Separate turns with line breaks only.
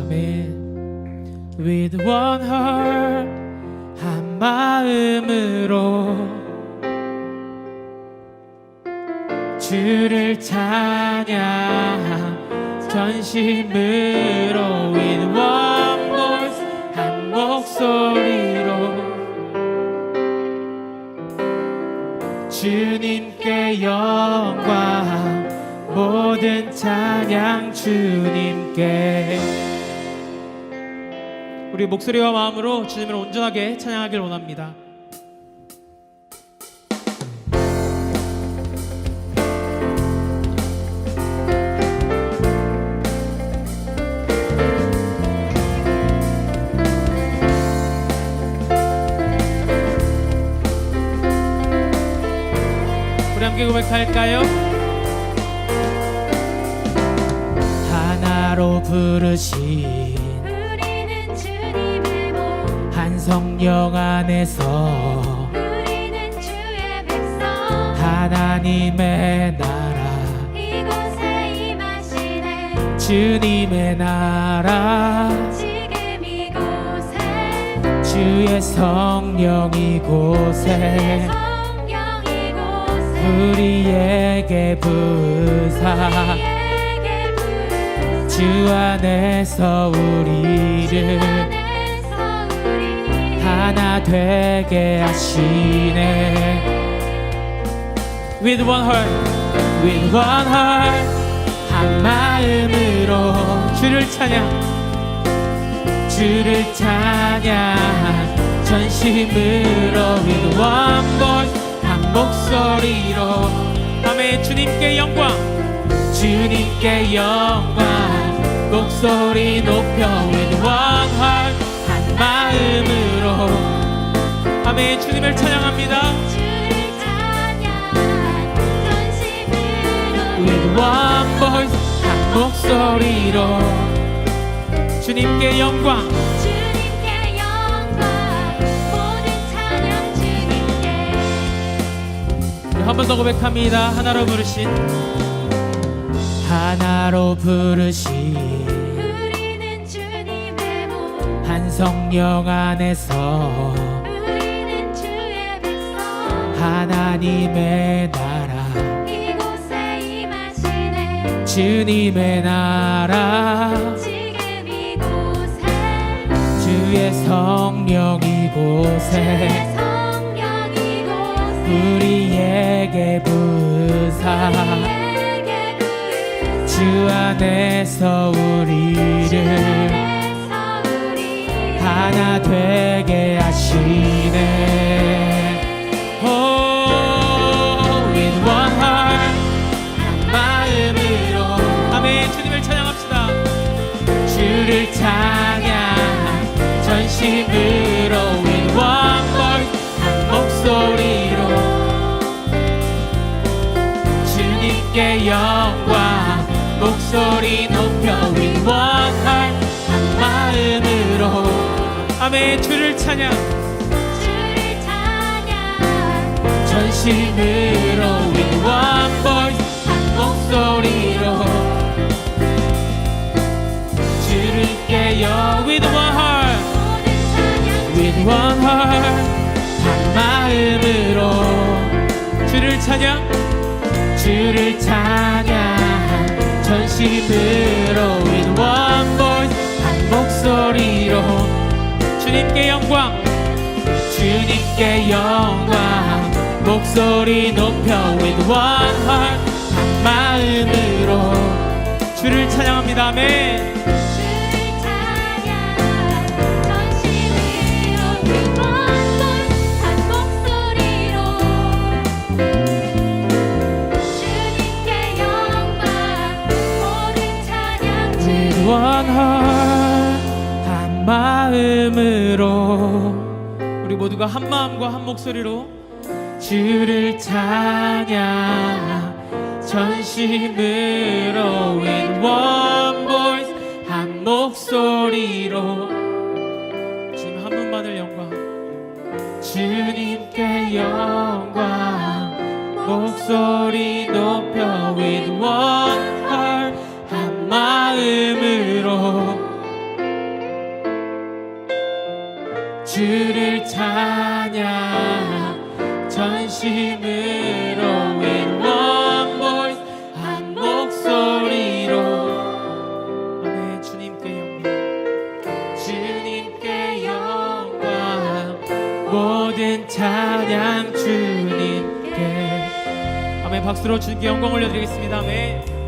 아멘. With one heart, 한 마음으로 주를 찬양 전심으로 With one voice, 한 목소리로 주님께 영광, 모든 찬양 주님께. 우리 목소리와 마음으로 주님을 온전하게 찬양하길 원합니다. 우리 함께 고백할까요? 하나로 부르신
우리는 주님의 몸,
한 성령 안에서
우리는 주의 백성,
하나님의 나라,
이곳에 임하시네.
주님의 나라,
지금 이곳에
주의 성령 이곳에
성령 이곳에
우리에게 부사
우리에게 부으사
주 안에서 우리를
안에서 우리
하나 되게 하시네. With one heart, with one heart, 한 마음으로 주를 찬양, 주를 찬양 전심으로 With one voice, 한 목소리로 아멘. 주님께 영광, 주님께 영광, 목소리 높여 With one heart, 한 마음으로 아멘. 주님을 찬양합니다.
주를 찬양 전심으로
With one voice, 한 목소리로 주님께 영광,
주님께 영광, 모든 찬양 주님께.
한 번 더 고백합니다. 하나로 부르신, 하나로 부르신
우리는 주님의 몸,
한 성령 안에서
우리는 주의 백성,
하나님의 나라,
이곳에 임하시네.
주님의 나라,
지금 이곳에
주의 성령 이곳에
성령 이곳에
우리에게 부사
우리에게 부으사
주 안에서 우리를
안에서 우리
하나 되게 하시네. Oh, with one heart, 한 마음으로 아멘. 주님을 찬양합시다. 주를 찬양 전심으로 With one voice, 한 목소리로 주님께 영광, 목소리 높여 With one heart, 한 마음으로 아멘. 주를 찬양
주를 찬양
전심으로 With one voice, 한 목소리로 주님께 영 With one heart,
모든 찬양
With one heart, 한 마음으로 주를 찬양, 주를 찬양 전심으로 With one voice, 한 목소리로 주님께 영광, 주님께 영광, 목소리 높여 With one heart, 한 마음으로 주를 찬양합니다. 아멘.
주를 찬양 전심으로 With one voice, 한 목소리로 주님께 영광, 모든 찬양
With one heart, 한 마음으로 우리 모두가 한 마음과 한 목소리로 주를 찬양 전심으로 With one voice, 한 목소리로 주님 한 분만을 영광, 주님께 영광, 목소리 높여 With one heart, 한 마음으로 주를 찬양 전심으로 with one voice 한 목소리로 아멘. 주님께 영광 모든 찬양 주님께 아멘. 박수로 주님께 영광 올려드리겠습니다. 아멘.